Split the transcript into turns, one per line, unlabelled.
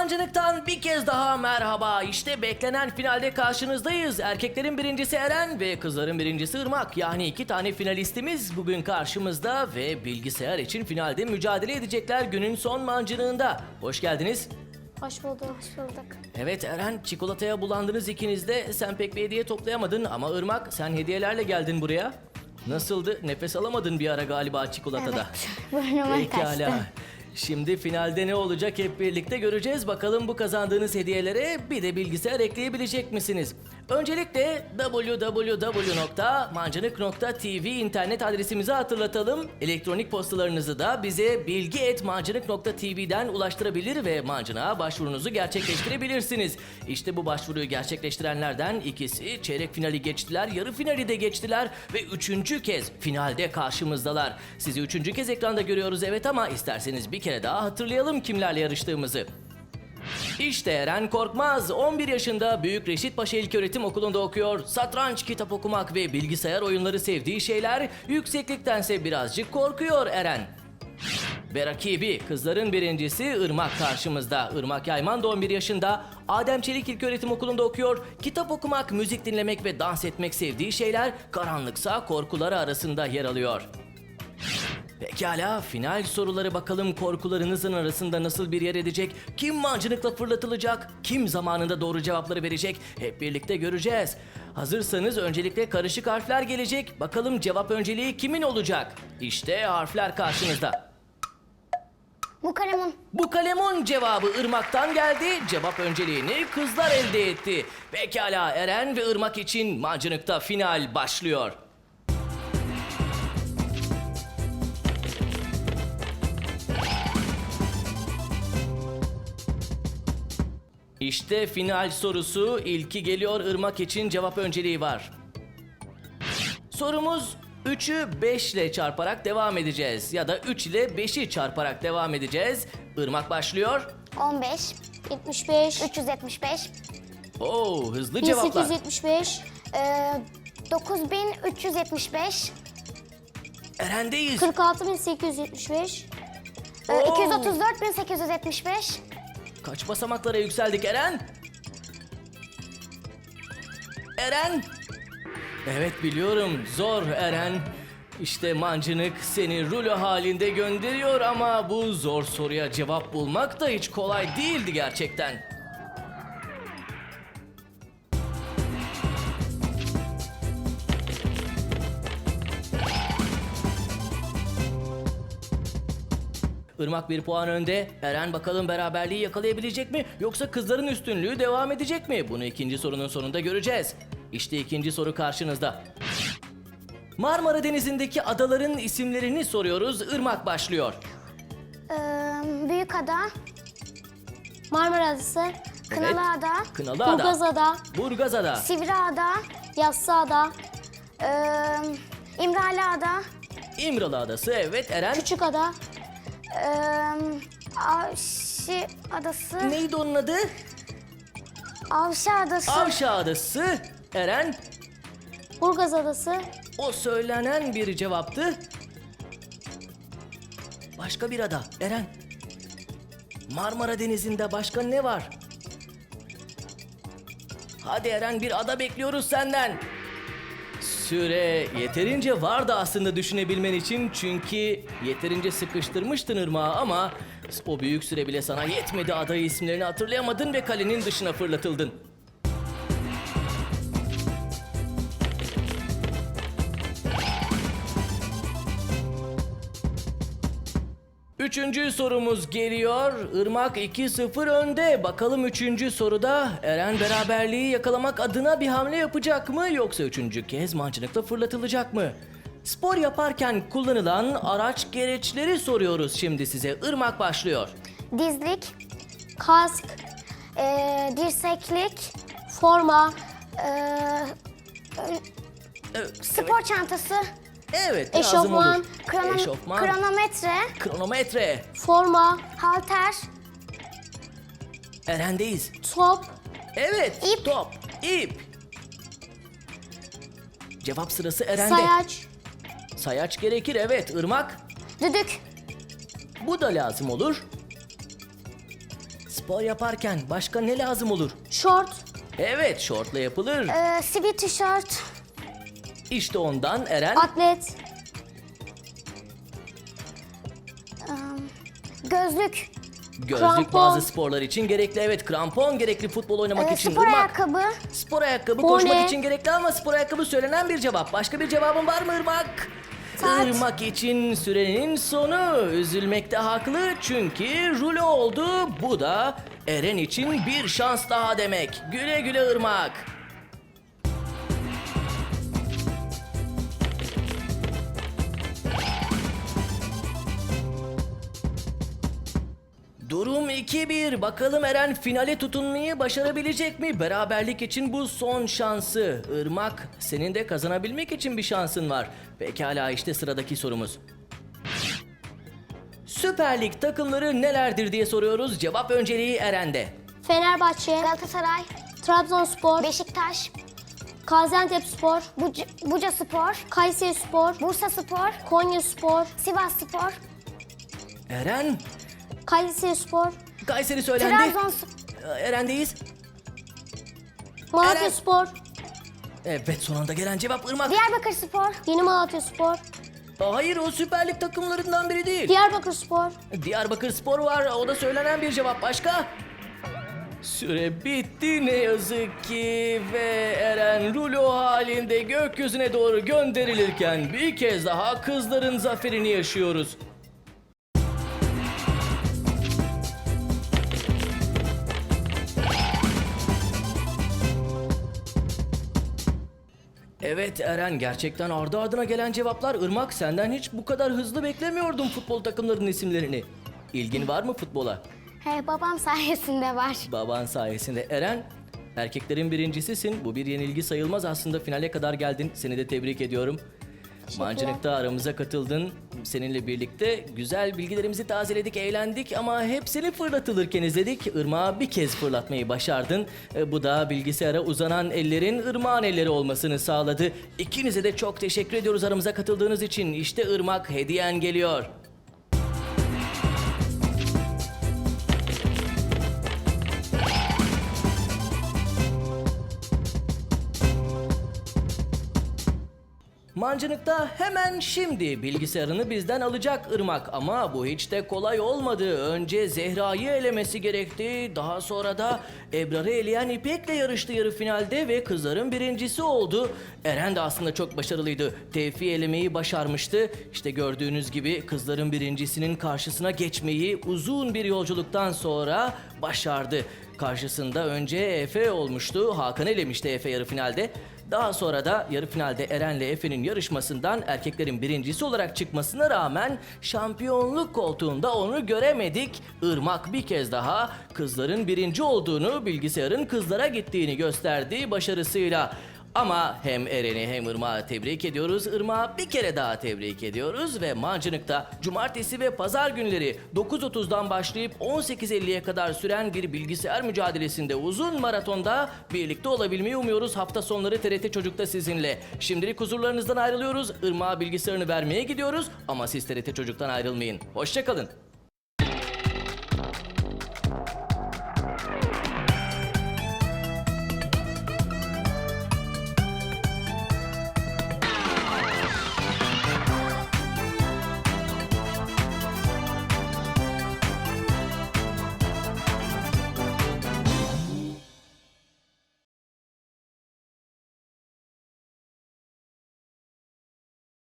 Mancınık'tan bir kez daha merhaba. İşte beklenen finalde karşınızdayız. Erkeklerin birincisi Eren ve kızların birincisi Irmak. Yani 2 tane finalistimiz bugün karşımızda ve bilgisayar için finalde mücadele edecekler günün son mancınığında. Hoş geldiniz.
Hoş bulduk, hoş bulduk.
Evet Eren, çikolataya bulandınız ikiniz de. Sen pek bir hediye toplayamadın ama Irmak sen hediyelerle geldin buraya. Nasıldı? Nefes alamadın bir ara galiba çikolatada.
Evet, burnuma kaçtı.
Şimdi finalde ne olacak hep birlikte göreceğiz. Bakalım bu kazandığınız hediyelere bir de bilgisayar ekleyebilecek misiniz? Öncelikle www.mancınık.tv internet adresimizi hatırlatalım. Elektronik postalarınızı da bize bilgi@mancınık.tv'den ulaştırabilir ve Mancınık'a başvurunuzu gerçekleştirebilirsiniz. İşte bu başvuruyu gerçekleştirenlerden ikisi çeyrek finali geçtiler, yarı finali de geçtiler ve 3. kez finalde karşımızdalar. Sizi 3. kez ekranda görüyoruz evet ama isterseniz bir kere daha hatırlayalım kimlerle yarıştığımızı. İşte Eren Korkmaz, 11 yaşında Büyük Reşit Paşa İlköğretim Okulu'nda okuyor. Satranç, kitap okumak ve bilgisayar oyunları sevdiği şeyler, yüksekliktense birazcık korkuyor Eren. Ve rakibi kızların birincisi Irmak karşımızda. Irmak Yayman da 11 yaşında, Adem Çelik İlköğretim Okulu'nda okuyor. Kitap okumak, müzik dinlemek ve dans etmek sevdiği şeyler, karanlıksa korkuları arasında yer alıyor. Pekala, final soruları bakalım korkularınızın arasında nasıl bir yer edecek? Kim mancınıkla fırlatılacak? Kim zamanında doğru cevapları verecek? Hep birlikte göreceğiz. Hazırsanız öncelikle karışık harfler gelecek. Bakalım cevap önceliği kimin olacak? İşte harfler karşınızda.
Mukalemun.
Bu kalemun cevabı Irmak'tan geldi. Cevap önceliğini kızlar elde etti. Pekala, Eren ve Irmak için mancınıkta final başlıyor. İşte final sorusu. İlki geliyor. Irmak için cevap önceliği var. Sorumuz 3'ü 5 ile çarparak devam edeceğiz. Ya da 3 ile 5'i çarparak devam edeceğiz. Irmak başlıyor.
15, 75, 375,
Oo, hızlı cevaplar.
1875, 9375,
Eren'deyiz.
46875,
Oo.
234875,
Kaç basamaklara yükseldik Eren? Eren? Evet biliyorum, zor Eren. İşte mancınık seni rulo halinde gönderiyor ama bu zor soruya cevap bulmak da hiç kolay değildi gerçekten. Irmak 1 puan önde. Eren bakalım beraberliği yakalayabilecek mi yoksa kızların üstünlüğü devam edecek mi? Bunu ikinci sorunun sonunda göreceğiz. İşte ikinci soru karşınızda. Marmara Denizi'ndeki adaların isimlerini soruyoruz. Irmak başlıyor.
Büyükada, Marmara Adası, Kınalıada,
Kınalıada,
Burgazada,
Burgazada,
Sivriada, Yassıada, İmraliada,
İmralı Adası, evet Eren.
Küçükada, Avşi Adası,
Neydi onun adı?
Avşa Adası,
Avşa Adası, Eren.
Burgaz Adası,
O söylenen bir cevaptı. Başka bir ada, Eren. Marmara Denizi'nde başka ne var? Hadi Eren, bir ada bekliyoruz senden. Süre yeterince vardı aslında düşünebilmen için çünkü yeterince sıkıştırmıştın Irmak'ı ama o büyük süre bile sana yetmedi, adayı isimlerini hatırlayamadın ve kalenin dışına fırlatıldın. Üçüncü sorumuz geliyor. Irmak 2-0 önde. Bakalım 3. soruda Eren beraberliği yakalamak adına bir hamle yapacak mı yoksa 3. kez mancınıkla fırlatılacak mı? Spor yaparken kullanılan araç gereçleri soruyoruz şimdi size. Irmak başlıyor.
dizlik, kask, dirseklik, forma, spor çantası,
Evet, lazım
eşofman,
olur. Eşofman,
kronometre,
kronometre.
forma, halter,
Eren'deyiz.
top,
Evet,
İp.
top, ip. Cevap sırası Eren'de.
sayaç,
Sayaç gerekir, evet. Irmak.
düdük,
Bu da lazım olur. Spor yaparken başka ne lazım olur?
Şort.
Evet, şortla yapılır.
Sivil tişört.
İşte ondan Eren.
Atlet. Gözlük.
Gözlük
krampon.
bazı sporlar için gerekli. Evet, krampon gerekli futbol oynamak için.
Spor
Irmak.
ayakkabı.
Spor ayakkabı
Bone.
koşmak için gerekli ama spor ayakkabı söylenen bir cevap. Başka bir cevabın var mı Irmak?
Saat.
Irmak için sürenin sonu. Üzülmekte haklı çünkü rulo oldu. Bu da Eren için bir şans daha demek. Güle güle Irmak. Durum 2-1. Bakalım Eren finale tutunmayı başarabilecek mi? Beraberlik için bu son şansı. Irmak, senin de kazanabilmek için bir şansın var. Pekala, işte sıradaki sorumuz. Süper Lig takımları nelerdir diye soruyoruz. Cevap önceliği Eren'de.
Fenerbahçe. Galatasaray. Trabzonspor. Beşiktaş. Gaziantepspor. Bucaspor. Kayserispor. Bursaspor. Konyaspor. Sivasspor.
Eren,
Kayserispor.
Kayseri söylendi.
Trabzonspor.
Eren'deyiz.
Malatyaspor.
Evet, son anda gelen cevap Irmak.
Diyarbakırspor. Yeni Malatyaspor.
Hayır, o Süper Lig takımlarından biri değil.
Diyarbakırspor.
Diyarbakırspor var, o da söylenen bir cevap. Başka? Süre bitti ne yazık ki ve Eren rulo halinde gökyüzüne doğru gönderilirken bir kez daha kızların zaferini yaşıyoruz. Evet Eren, gerçekten ardı ardına gelen cevaplar. Irmak, senden hiç bu kadar hızlı beklemiyordum futbol takımlarının isimlerini. İlgin var mı futbola?
He, babam sayesinde var.
Baban sayesinde. Eren, erkeklerin birincisisin. Bu bir yenilgi sayılmaz aslında. Finale kadar geldin. Seni de tebrik ediyorum. Mancınık'ta aramıza katıldın. Seninle birlikte güzel bilgilerimizi tazeledik, eğlendik ama hepsini fırlatılırken izledik. Irmak'ı bir kez fırlatmayı başardın. Bu da bilgisayara uzanan ellerin Irmak'ın elleri olmasını sağladı. İkinize de çok teşekkür ediyoruz aramıza katıldığınız için. İşte Irmak, hediyen geliyor. Mancınık'ta hemen şimdi bilgisayarını bizden alacak Irmak ama bu hiç de kolay olmadı. Önce Zehra'yı elemesi gerekti. Daha sonra da Ebrar'ı eleyen İpek'le yarıştı yarı finalde ve kızların birincisi oldu. Eren de aslında çok başarılıydı. Tevfik'i elemeyi başarmıştı. İşte gördüğünüz gibi kızların birincisinin karşısına geçmeyi uzun bir yolculuktan sonra başardı. Karşısında önce Efe olmuştu. Hakan elemişti Efe yarı finalde. Daha sonra da yarı finalde Eren'le Efe'nin yarışmasından erkeklerin birincisi olarak çıkmasına rağmen şampiyonluk koltuğunda onu göremedik. Irmak bir kez daha kızların birinci olduğunu, bilgisayarın kızlara gittiğini gösterdi başarısıyla. Ama hem Eren'i hem Irmak'ı tebrik ediyoruz. Irmak'ı bir kere daha tebrik ediyoruz ve Mancınık'ta cumartesi ve pazar günleri 9.30'dan başlayıp 18.50'ye kadar süren bir bilgisayar mücadelesinde uzun maratonda birlikte olabilmeyi umuyoruz. Hafta sonları TRT Çocuk'ta sizinle. Şimdilik huzurlarınızdan ayrılıyoruz. Irmak'a bilgisayarını vermeye gidiyoruz ama siz TRT Çocuk'tan ayrılmayın. Hoşça kalın.